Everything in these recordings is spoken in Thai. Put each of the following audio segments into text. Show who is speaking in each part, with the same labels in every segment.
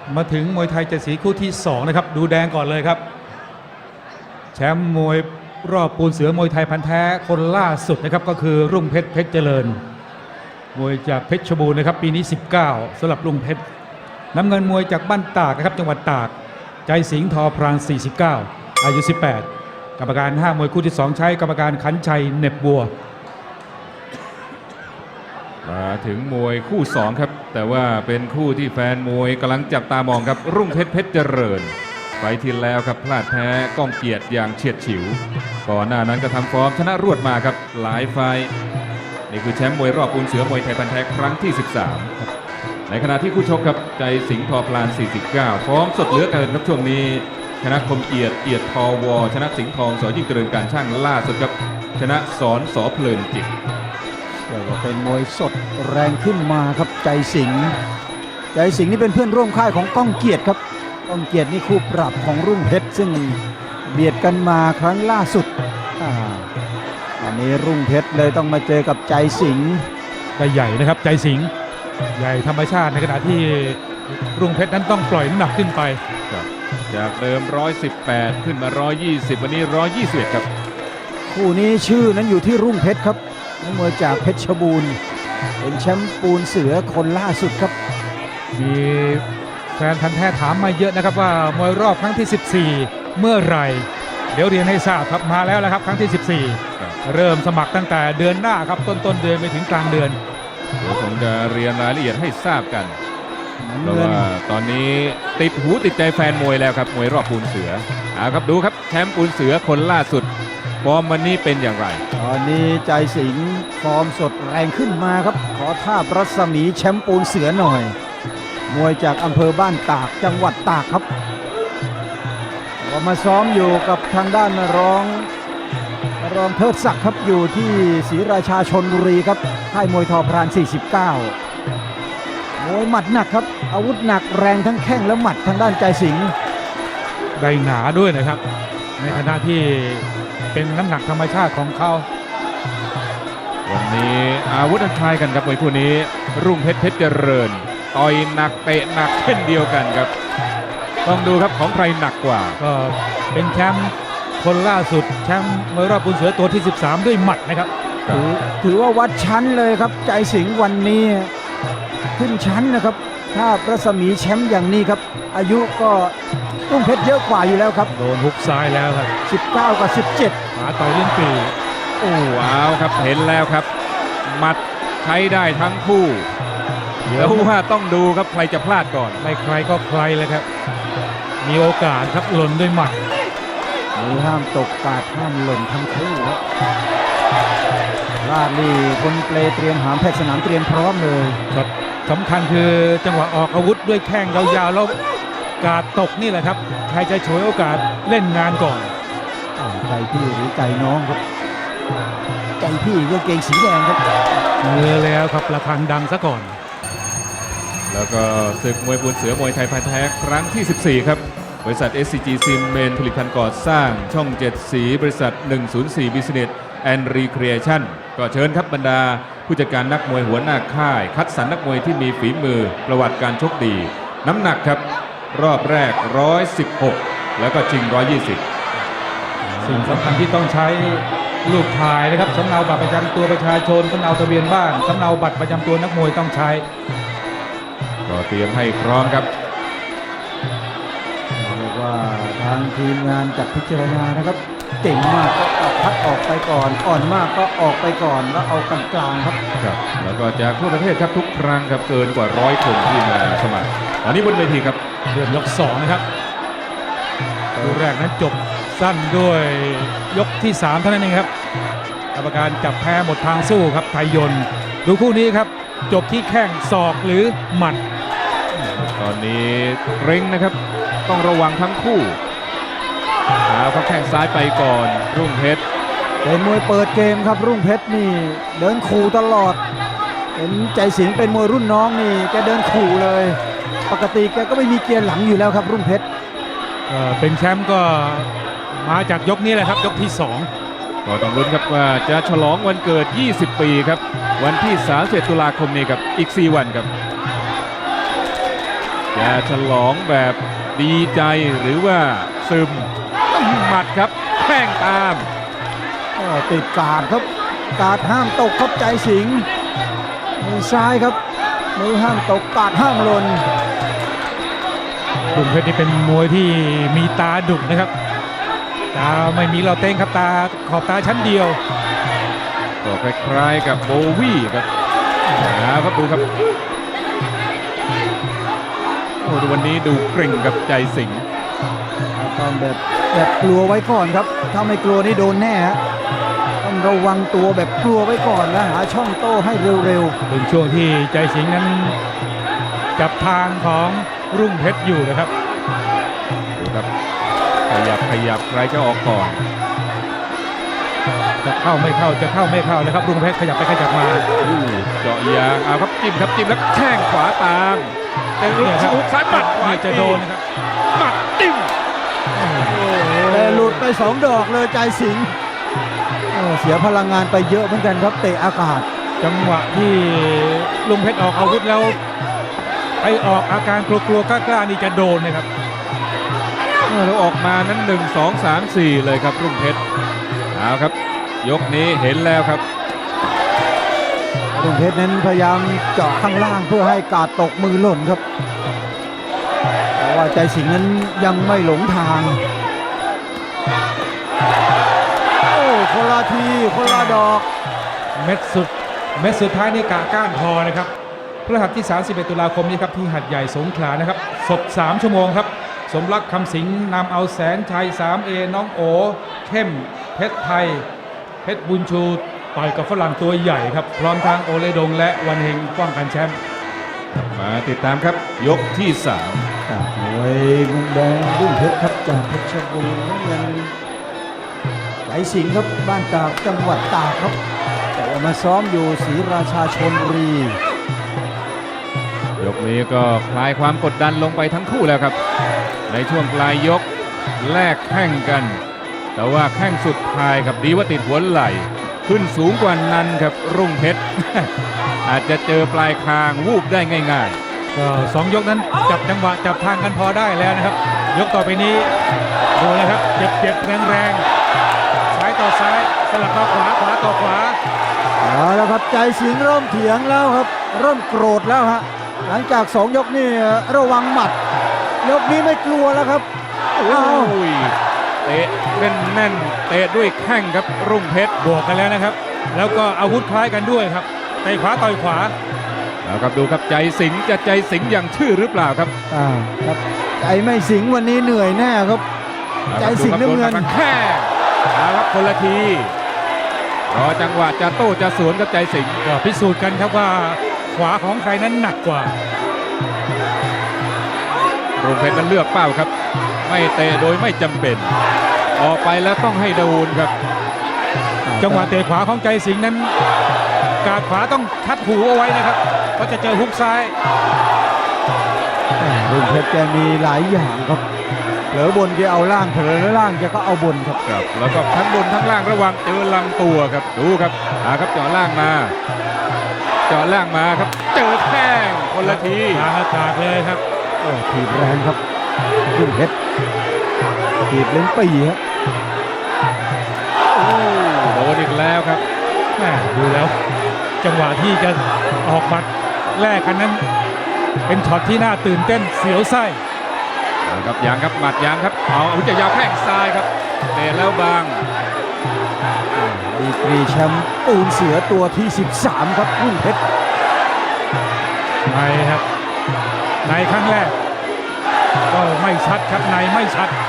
Speaker 1: มาถึงมวยไทย7สีคู่ที่2นะครับดูแดงก่อนเลยครับแชมป์มวยรอบปูนเสือมวยไทยพันธุ์แท้คนล่าสุดนะครับก็คือรุ่งเพชรเพชรเจริญมวยจากเพชรบูรณ์นะครับปีนี้19สำหรับรุ่งเพชรน้ำเงินมวยจากบ้านตากนะครับจังหวัดตากใจสิงห์ทอพราง49อายุ18กรรมการ5มวยคู่ที่2ใช้กรรมการขันชัยเหน็บบัว
Speaker 2: มาถึงมวยคู่2ครับแต่ว่าเป็นคู่ที่แฟนมวยกำลังจับตามองครับรุ่งเพชรเพชรเจริญไฟที่แล้วครับพลาดแพ้ก้องเกียรติอย่างเฉียดฉิวก่อนหน้านั้นก็ทำฟอร์มชนะรวดมาครับหลายไฟนี่คือแชมป์มวยรอบปูนเสือมวยไทยพันธุ์แท้ครั้งที่13ในขณะที่คู่ชกครับใจสิงห์ทอพลาน49ฟอร์มสดเหลือเกินครับช่วงนี้ชนะคมเอียดทอวอชนะสิงห์ทองสยิ่งเจริญการช่างล่าสุดครับชนะสอนสอเพลินจิต
Speaker 3: เรียกว่าเป็นมวยสดแรงขึ้นมาครับใจสิงห์นี่เป็นเพื่อนร่วมค่ายของก้องเกียรติครับก้องเกียรตินี่คู่ปรับของรุ่งเพชรซึ่งเบียดกันมาครั้งล่าสุดอันนี้รุ่งเพชรเลยต้องมาเจอกับใจสิงห์
Speaker 1: ได้ใหญ่นะครับใจสิงห์ใหญ่ธรรมชาติในขณะที่รุ่งเพชรนั้นต้องปล่อยน้ำหนักขึ้นไป
Speaker 2: จากเดิม118ขึ้นมา120วันนี้121ครับ
Speaker 3: คู่นี้ชื่อนั้นอยู่ที่รุ่งเพชรครับนักมวยจากเพชรบูรณ์เป็นแชมป์ปูนเสือคนล่าสุดครับ
Speaker 1: มีแฟนพันธุ์แท้ถามมาเยอะนะครับว่ามวยรอบครั้งที่14เมื่อไหร่เดี๋ยวเรียนให้ทราบครับมาแล้วนะครับครั้งที่14เริ่มสมัครตั้งแต่เดือนหน้าครับต้นเดือนไปถึงกลางเดือน
Speaker 2: เดี๋ยวผมจะเรียนรายละเอียดให้ทราบกันเพราะว่าตอนนี้ติดหูติดใจแฟนมวยแล้วครับมวยรอบปูนเสือครับดูครับแชมป์ปูนเสือคนล่าสุดฟอร์มวันนี้เป็นอย่างไร
Speaker 3: ตอนนี้ใจสิงห์ฟอร์มสดแรงขึ้นมาครับขอท่ารัศมีแชมป์ปูนเสือหน่อยมวยจากอำเภอบ้านตากจังหวัดตากครับก็มาซ้อมอยู่กับทางด้านรองเทิดศักดิ์ครับอยู่ที่ศรีราชาชลบุรีครับค่ายมวยทอพราน49มวยหมัดหนักครับอาวุธหนักแรงทั้งแข้งและหมัดทางด้านใจสิงห์
Speaker 1: ได้หนาด้วยนะครับในขณะที่เป็นน้ำหนักธรรมชาติของเขา
Speaker 2: วันนี้อาวุธอันคล้ายกันครับมวยคู่นี้รุ่งเพชรเพชรเจริญต่อยหนักเตะหนักเช่นเดียวกันครับต้องดูครับของใครหนักกว่า
Speaker 1: ก็เป็นแชมป์คนล่าสุดแชมป์มวยรอบปูนเสือตัวที่13ด้วยหมัดนะครับ
Speaker 3: ถือว่าวัดชั้นเลยครับใจสิงห์วันนี้ขึ้นชั้นนะครับถ้ารัศมีแชมป์อย่างนี้ครับอายุก็รุ่งเพชรเยอะกว่าอยู่แล้วครับ
Speaker 1: โดนฮุกซ้ายแล้วครับ
Speaker 3: 19กับ17
Speaker 1: ขาต่อยลิ้นปี่
Speaker 2: ว้าวครับเห็นแล้วครับหมัดใช้ได้ทั้งคู่เดี๋ยวว่าต้องดูครับใครจะพลาดก่อน
Speaker 1: ไม่ใครก็ใครเลยครับมีโอกาสครับหล่นด้วยหมัด
Speaker 3: มีห้ามตกกาดห้ามหล่นทั้งคู่ครับลาดนี่คนเปลเตรียมหามแพทย์สนามเตรียมพร้อมเลย
Speaker 1: ครับสำคัญคือจังหวะออกอาวุธด้วยแข้งยาวๆแล้วกาดตกนี่แหละครับใครจะฉวยโอกาสเล่นงานก่อน
Speaker 3: ใจพี่หรือใจน้องครับใจพี่ก็เกงสีแดงครับ
Speaker 1: แล้วครับระฆังดังซะก่อน
Speaker 2: แล้วก็ศึกมวยปูนเสือมวยไทยพันธุ์แท้ครั้งที่14ครับบริษัท SCG ซีเมนต์ผลิตภัณฑ์ก่อสร้างช่อง7สีบริษัท104 Business and Recreation ก็เชิญครับบรรดาผู้จัดการนักมวยหัวหน้าค่ายคัดสรรนักมวยที่มีฝีมือประวัติการชกดีน้ำหนักครับรอบแรก116แล้วก็ชิง120
Speaker 1: สิ่งสำคัญที่ต้องใช้รูปถ่ายนะครับสำเนาบัตรประจำตัวประชาชนสำเนาทะเบียนบ้านสำเนาบัตรประจำตัวนักมวยต้องใช้
Speaker 2: ก็เตรียมให้พร้อมครับ
Speaker 3: เรียกว่าทางทีมงานจัดพิจารณานะครับเก่งมากก็พัดออกไปก่อนอ่อนมากก็ออกไปก่อนแล้วเอากลางๆครับ
Speaker 2: แล้วก็จากทั่วประเทศครับทุกครั้งครับเกินกว่า100คนที่มาสมัครตอนนี้บนเวทีครับ
Speaker 1: เดือนยก2นะครับคู่แรกนั้นจบสั้นด้วยยกที่3เท่านั้นเองครับกรรมการจับแพ้หมดทางสู้ครับไทยยนต์ดูคู่นี้ครับจบที่แข้งศอกหรือหมัด
Speaker 2: ตอนนี้เร่งนะครับต้องระวังทั้งคู่เขาแข้งซ้ายไปก่อนรุ่งเพชร
Speaker 3: เป็นมวยเปิดเกมครับรุ่งเพชรนี่เดินขู่ตลอดเห็นใจสิงห์เป็นมวยรุ่นน้องนี่แกเดินขู่เลยปกติแกก็ไม่มีเกียร์หลังอยู่แล้วครับรุ่งเพชร
Speaker 1: เป็นแชมป์ก็มาจากยกนี้แหละครับยกที่2
Speaker 2: ก็ต้องลุ้นครับว่าจะฉลองวันเกิด20ปีครับวันที่31ตุลาคมนี้ครับอีก4วันครับจะฉลองแบบดีใจหรือว่าซึมหมัดครับแข้งตาม
Speaker 3: ติดการ์ดครับการ์ดห้ามตกครับใจสิงห์มือซ้ายครับมือห้ามตกการ์ดห้ามหล่น
Speaker 1: รุ่งเพชรนี่เป็นมวยที่มีตาดุนะครับ ตาไม่มีเราเต้งครับตาขอบตาชั้นเดียว
Speaker 2: ก็คล้ายๆกับโบวี่ครับครับดูครับโอ้ดูวันนี้ดูเกร่งกับใจสิงห์
Speaker 3: ต้องแบบกลัวไว้ก่อนครับถ้าไม่กลัวนี่โดนแน่ฮะต้องระวังตัวแบบกลัวไว้ก่อนแล้วหาช่องโต้ให้เร็ว
Speaker 1: เป็นช่วงที่ใจสิงห์นั้นจับทางของรุ่งเพชรอยู่นะครับ
Speaker 2: ดูครับขยับใครจะออกก่อน
Speaker 1: จะเข้าไม่เข้าจะเข้าไม่เข้านะครับรุ่งเพชรขยับไปขยับมา
Speaker 2: เจาะยางเอาครับจิ้มแล้วแข้งขวาตามแต่ลูก
Speaker 1: เนี่ยครับ
Speaker 2: ซ้ายหมัดขวา
Speaker 1: จะโดนนะครับ
Speaker 2: หมัดจิ้ม
Speaker 3: ๆแต่หลุดไป2 ดอกเลยใจสิงห์เสียพลังงานไปเยอะเหมือนกันครับเตะอากาศ
Speaker 1: จังหวะที่ลุงเพชรออกอาวุธแล้วไปออกอาการกลัวๆกล้าๆนี่จะโดนนะครับ
Speaker 2: แล้วออกมานั้น1 2 3 4เลยครับรุ่งเพชรเอาครับยกนี้เห็นแล้วครับ
Speaker 3: รุ่งเพชรนั้นพยายามเจาะข้างล่างเพื่อให้การ์ดตกมือหล่นครับเพราะว่าใจสิงห์นั้นยังไม่หลงทางโอ้คนละทีคนละดอก
Speaker 1: เม็ดสุดท้ายนี่กะก้านพอนะครับพฤหัสที่ 31 ตุลาคมนี้ครับที่หัดใหญ่สงขลานะครับสด3 ชั่วโมงครับสมรักคำสิงห์นำเอาแสนชัย 3A น้องโอเข้มเพชรไทยเพชรบุญชูต่อยกับฝรั่งตัวใหญ่ครับพร้อมทางโอเลดงและวันเฮงป้องกันแชมป์
Speaker 2: มาติดตามครับยกที่
Speaker 3: จากมวยมุมแดงรุ่งเพชรครับจากเพชรบูรณ์น้ำเงินใจสิงห์ครับบ้านตากจังหวัดตากครับแต่ว่ามาซ้อมอยู่ศรีราชาชลบุรี
Speaker 2: 3 ยกนี้ก็คลายความกดดันลงไปทั้งคู่แล้วครับ ในช่วงปลายยกแลกแข้งกัน แต่ว่าแข้งสุดท้ายครับดีว่าติดหัวไหล่ขึ้นสูงกว่านั้นครับรุ่งเพชร อาจจะเจอปลายคางวูบได้ง่าย
Speaker 1: ก็2 ยกนั้นจับจังหวะจับทางกันพอได้แล้วนะครับ ยกต่อไปนี้ดูเลยครับเจ็บแรงๆซ้ายต่อซ้ายสลับมาขวาต่อขวา
Speaker 3: เอาแล้วครับใจสิงห์เริ่มเถียงแล้วครับเริ่มโกรธแล้วฮะหลังจาก2 ยกนี่ระวังหมัด ยกนี้ไม่กลัวแล้วครับ
Speaker 2: ๆ โอ้
Speaker 3: อ้าวย
Speaker 2: เตะแน่นๆเตะด้วยแข้งครับรุ่งเพชร
Speaker 1: บวกกันแล้วนะครับ แล้วก็อาวุธคล้ายกันด้วยครับเตะขวาต่อยขวา
Speaker 2: แล้วครับดูครับใจสิงห์จะใจสิงห์อย่างชื่อหรือเปล่าครับ
Speaker 3: ครับใจไม่สิงห์วันนี้เหนื่อยแน่ครับ ใจสิงห์น้ำเงิน
Speaker 2: แค่เอาครับคนละทีรอจังหวะจะโต้จะสวนกับใจสิงห์
Speaker 1: ก็พิสูจน์กันครับว่าขวาของใครนั้นหนักกว่า
Speaker 2: รุ่งเพชรนั้นเลือกเป้าครับ ไม่เตะโดยไม่จำเป็น ออกไปแล้วต้องให้โดนครับ
Speaker 1: จังหวะเตะขวาของใจสิงห์นั้นกาดขวาต้องทัดหูเอาไว้นะครับเพราะจะเจอฮุกซ้าย
Speaker 3: รุ่งเพชรแกมีหลายอย่างครับเผลอบนแกเอาล่างเผลอล่างแกก็เอาบนครับ
Speaker 2: ครับแล้วก็ทั้งบนทั้งล่างระวังเจอลำตัวครับดูครับครับเจาะล่างมาครับเจอแข้งคนละที
Speaker 1: ทางอากาศเลยครับ
Speaker 3: ถีบแรงครับรุ่งเพชรถีบเล่นปีครับ
Speaker 2: โดนอีกแล้วครับ
Speaker 1: แม่ดูแล้ว จังหวะที่จะออกหมัดแรกกันนั้น เป็นช็อตที่น่าตื่นเต้นเสียวไส้
Speaker 2: เอาครับยางครับหมัดยางครับเอาอาวุธจะยาวแข้งซ้ายครับเตะแล้วบาง
Speaker 3: ดีกรีแชมป์ปูนเสือตัวที่ 13 ครับรุ่งเพชร
Speaker 1: ในครับในครั้งแรก ก็ไม่ชัดครับในไม่ชัด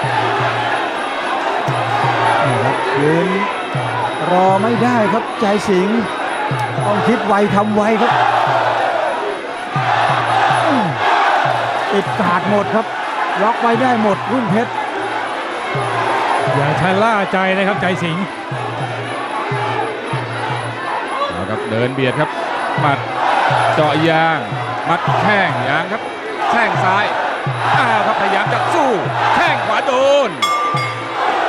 Speaker 3: นี่ครับยืนรอไม่ได้ครับใจสิงห์ต้องคิดไวทำไวครับติดการ์ดหมดครับล็อกไว้ได้หมดรุ่งเพชร
Speaker 1: อย่าชะล่าใจนะครับใจสิงห์
Speaker 2: เอาครับเดินเบียดครับหมัดเจาะยางมัดแข้งยางครับแข้งซ้ายครับพยายามจะสู้แข้งขวาโดน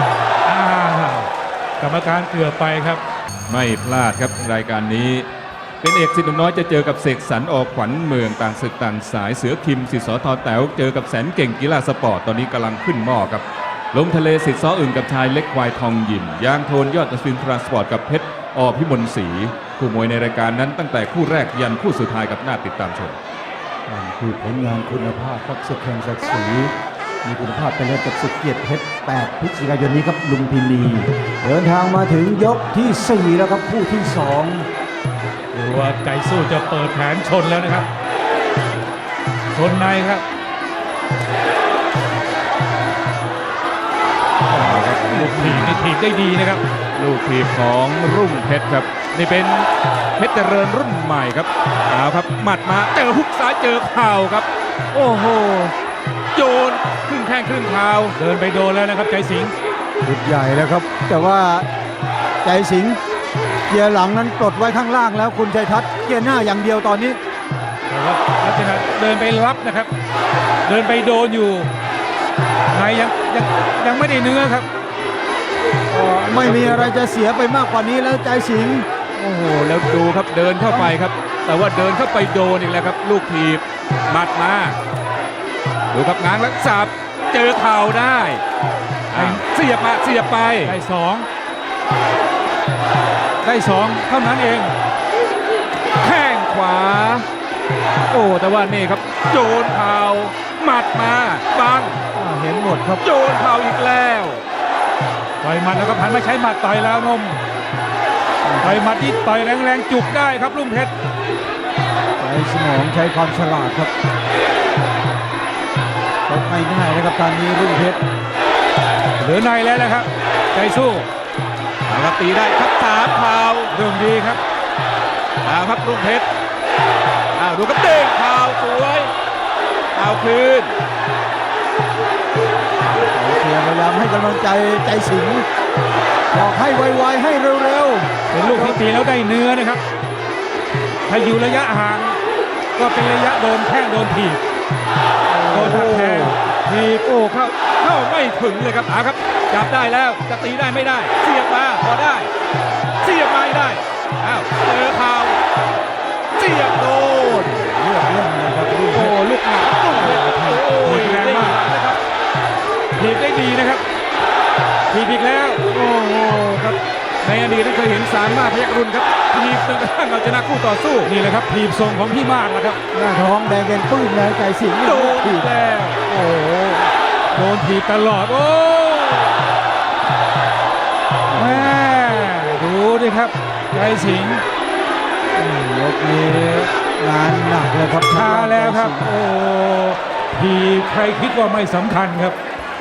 Speaker 1: กรรมการเกือบไปครับ
Speaker 2: ไม่พลาดครับรายการนี้เป็นเอกสิทธิ์หนุ่มน้อยจะเจอกับเสกสรรออกขวัญเมืองต่างศึกต่างสายเสือคิมสิทธิ์สทแต๋วเจอกับแสนเก่งกีฬาสปอร์ตตอนนี้กำลังขึ้นหม้อครับลมทะเลสิทธิ์ซ้ออึ่งกับชายเล็กควายทองยิมยางโทนยอดอัศวินทรานสปอร์ตกับเพชรอพิมลศรีคู่มวยในรายการนั้นตั้งแต่คู่แรกยันคู่สุดท้ายกับหน้าติดตามชม
Speaker 3: คือผลงานคุณภาพครับศึกแห่งศักดิ์ศรีมีคุณภาพไปเลยกับศึกเกียรติเพชร8 พฤศจิกายนนี้ครับลุมพินีเดินทางมาถึงยกที่ 4 แล้วครับคู่ที่ 2
Speaker 1: หรือว่าใจสู้จะเปิดแผนชนแล้วนะครับชนในครับลูกถีบนี่ถีบได้ดีนะครับ
Speaker 2: ลูกทีมของรุ่งเพชรครับนี่เป็นเพชรเจริญรุ่นใหม่ครับเอาครับหมัดมาเจอฮุกซ้ายเจอเข่าครับ โอ้โหโยนครึ่งแข้งครึ่งเท้า
Speaker 1: เดินไปโดนแล้วนะครับใจสิงห์
Speaker 3: ชุดใหญ่แล้วครับ แต่ว่าใจสิงห์เกียร์หลังนั้นปลดไว้ข้างล่างแล้วคุณชัยทัศน์เกียร์หน้าอย่างเดียวตอนนี้
Speaker 1: แต่ว่าลักษณะเดินไปรับนะครับ เดินไปโดนอยู่ในยังไม่ได้เนื้อครับ
Speaker 3: ไม่มีอะไรจะเสียไปมากกว่านี้แล้วใจสิงห์
Speaker 2: โอ้โหแล้วดูครับเดินเข้าไปครับ แต่ว่าเดินเข้าไปโดนอีกแล้วครับ ลูกทีบหมัดมาดูครับง้างแล้วสับเจอเข่าได้เสียบมาเสียบไป
Speaker 1: ได้สองเท่านั้นเอง
Speaker 2: แข้งขวา โอ้แต่ว่านี่ครับโยนเข่าหมัดมาบัง
Speaker 3: เห็นหมดครับ
Speaker 2: โยนเข่าอีกแล้ว
Speaker 1: ต่อยหมัดแล้วก็พันมาใช้หมัดต่อยแล้วนมต่อยหมัดที่ต่อยแรงๆจุกได้ครับลุงเพชร
Speaker 3: ใช้สมองใช้ความฉลาดครับตกไม่ง่ายนะครับตอนนี้รุ่งเพชร
Speaker 1: เหลือในแล้วนะครับ ใจสู้
Speaker 2: เอาครับตีได้ครับสามเข่า
Speaker 1: เรื่องดีครับ
Speaker 2: เอาครับรุ่งเพชรเอาดูครับเด้งเข่าสวยเอาคืน
Speaker 3: เสียพยายามให้กำลังใจใจสิงห์บอกให้ไวๆให้เร็ว
Speaker 1: เป็นลูกที่ตีแล้วได้เนื้อนะครับ ถ้าอยู่ระยะห่างก็เป็นระยะโดนแข้งโดนถีบโดนหักแทง
Speaker 2: ทีบโอ้เข้าไม่ถึงเลยครับเอาครับจับได้แล้วจะตีได้ไม่ได้เสียบมาพอได้เสียบไม่ได้อ้าวเจอเข่าเสียบโดน
Speaker 3: ๆเลือกเล่นนะครับรุ่งเพ
Speaker 2: โอ้
Speaker 3: ชร
Speaker 2: ลูกหนักลูกเพชรโอ้ยแรงมากนะครับ
Speaker 1: ถีบได้ดีนะครับถีบอีกแล้ว
Speaker 2: โอ้โหครับในอดีตนั้นเคยเห็นสามมากพยัคฆ์รุ่นครับทีบจนกระทั่งเอาชนะคู่ต่อสู้
Speaker 1: นี่แหละครับถีบทรงของพี่มากแล้วครับ
Speaker 3: หน้าท้องแดงเป็นปื้นแล้วใจสิงห์
Speaker 2: โดน
Speaker 3: ถี
Speaker 2: อี
Speaker 3: บ
Speaker 2: กแล้ว
Speaker 1: โอ้โหโดนถีบตลอดโอ้แม่ดูดิครับใจสิงห์
Speaker 3: ยกนี้งานหนักเลยครับ
Speaker 1: ช้าแล้วครับ โอ้ถีบใครคิดว่าไม่สำคัญครับ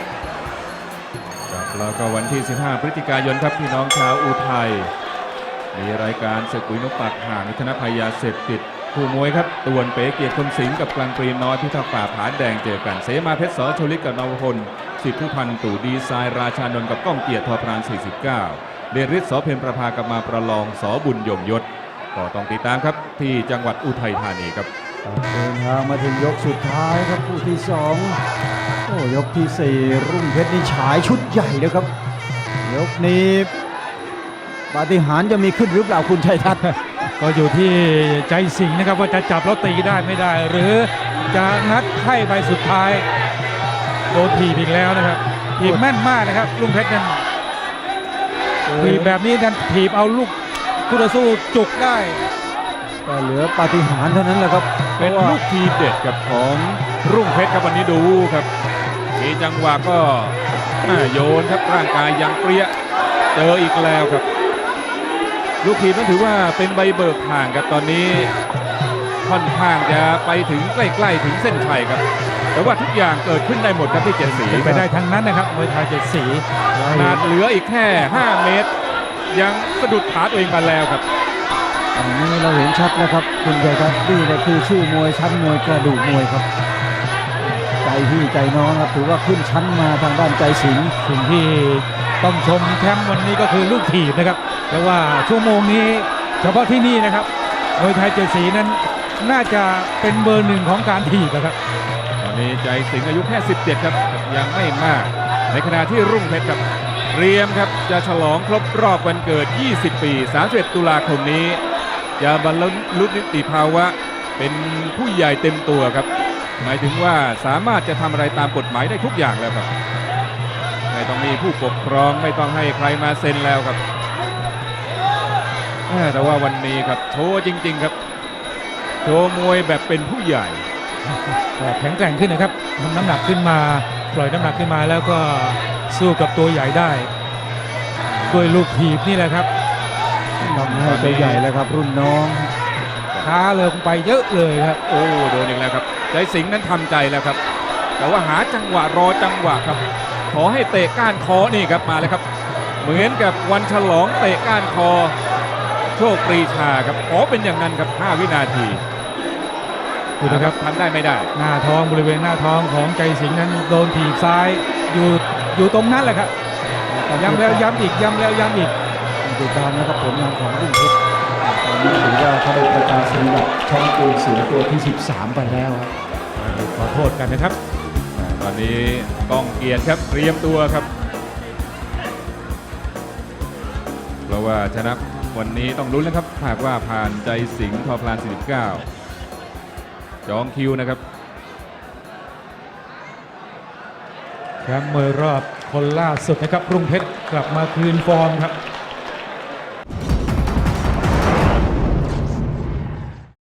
Speaker 2: ครับแล้วก็วันที่ 15 พฤศจิกายนครับพี่น้องชาวอุทัยมีรายการศึกปุ๋ยนกปากห่างชนะภัยยาเสพติดคู่มวยครับตวนเป๋เกียรติคมสิงห์กับกลางปรีน้อยพิทักษ์ป่าผาแดงเจอกันเสมาเพชรสอชลิกกับนวพลสิทธิผู้พันตู่ดีไซน์ราชานนท์กับก้องเกียรติทอพราน 49 เดชฤทธิ์สอเพ็ญประภากับมาประลองสอบุญยงยศก็ต้องติดตามครับที่จังหวัดอุทัยธานีครับ
Speaker 3: เดินทางมาถึงยกสุดท้ายครับคู่ที่ 2 โอ้ยกที่ 4 รุ่งเพชรนี่ฉายชุดใหญ่เลยครับ ยกนี้ปาฏิหาริย์จะมีขึ้นหรือเปล่าคุณชัยทัศน์
Speaker 1: ก็อยู่ที่ใจสิงห์นะครับว่าจะจับแล้วตีได้ไม่ได้ หรือจะงัดไข่ใบสุดท้ายโดนถีบอีกแล้วนะครับถีบแม่นมากนะครับลุงเพชรนั้นถีบแบบนี้นั้นถีบเอาลูกคู่ต่อสู้จุกได้
Speaker 3: แต่เหลือปาฏิหาริย์เท่านั้นแหละครับ
Speaker 2: เป็นลูกทีเด็ดกับของรุ่งเพชรครับวันนี้ดูครับมีจังหวะก็โยนครับร่างกายยังเปรี้ยเจออีกแล้วครับ ลูกทีมนั้นถือว่าเป็นใบเบิกทางครับตอนนี้ค่อนข้างจะไปถึงใกล้ๆถึงเส้นชัยครับ แต่ว่าทุกอย่างเกิดขึ้นได้หมดครับที่เจ็ดสี
Speaker 1: เป็นไปได้ทั้งนั้นนะครับมวยไทยเจ็ดสี
Speaker 2: ขนาดเหลืออีกแค่ 5 เมตร ยังสะดุดขาตัวเองมาแล้วครับ
Speaker 3: อันนี้เราเห็นชัดนะครับคุณชัยทัศน์นี่แหละคือชื่อมวยชั้นมวยกระดูกมวยครับ ใจพี่ใจน้องครับถือว่าขึ้นชั้นมาทางด้านใจสิงห์
Speaker 1: สิ่งที่ต้องชมแชมป์วันนี้ก็คือลูกถีบนะครับแต่ว่าชั่วโมงนี้เฉพาะที่นี่นะครับมวยไทยเจ็ดสีนั้นน่าจะเป็นเบอร์หนึ่งของการถีบนะครับ
Speaker 2: ตอนนี้ใจสิงห์อายุแค่ 17 ครับยังไม่มาก ในขณะที่รุ่งเพชรครับเตรียมครับจะฉลองครบรอบวันเกิด 20 ปี 31 ตุลาคมนี้จะบรรลุนิติภาวะเป็นผู้ใหญ่เต็มตัวครับ หมายถึงว่าสามารถจะทำอะไรตามกฎหมายได้ทุกอย่างแล้วครับไม่ต้องมีผู้ปกครองไม่ต้องให้ใครมาเซ็นแล้วครับแต่ว่าวันนี้ครับโชว์จริงๆครับโชว์มวยแบบเป็นผู้ใหญ่
Speaker 1: ก็แข็งแกร่งขึ้นนะครับทำน้ำหนักขึ้นมาปล่อยน้ำหนักขึ้นมาแล้วก็สู้กับตัวใหญ่ได้ด้วยลูกถีบนี่แหละครับ
Speaker 3: ทำให้ตัวใหญ่แล้วครับ รุ่นน้อง
Speaker 1: ช้าเลยไปเยอะเลยครับ
Speaker 2: โอ้โดนอีกแล้วครับใจสิงห์นั้นทำใจแล้วครับ แต่ว่าหาจังหวะรอจังหวะครับ ขอให้เตะก้านคอนี่ครับมาเลยครับ เหมือนกับวันฉลองเตะก้านคอโชคปรีชาครับขอเป็นอย่างนั้นครับ5 วินาที
Speaker 1: ดูนะครับ
Speaker 2: ทำได้ไม่ได้
Speaker 1: หน้าท้องบริเวณหน้าท้องของใจสิงห์นั้นโดนถีบซ้ายอยู่ตรงนั้นแหละครับย้ำแล้วย้ำอีกย้ำแล้วย้ำอีก
Speaker 3: ติดตามนะครับผลงานของรุ่งเพชร
Speaker 4: ตอนนี้ถือว่าเขาได้ประกาศนียบัตรแชมป์ปูนเสือตัวที่ 13 ไปแล้วครับ
Speaker 1: ขอโทษกันนะครับ
Speaker 2: ตอนนี้ก้องเกียรติครับเตรียมตัวครับ เพราะว่าชนะวันนี้ต้องลุ้นนะครับหากว่าผ่านใจสิงห์ทอพลาน 49 จองคิวนะครับ
Speaker 1: แชมป์มวยรอบคนล่าสุดนะครับรุ่งเพชรกลับมาคืนฟอร์มครับ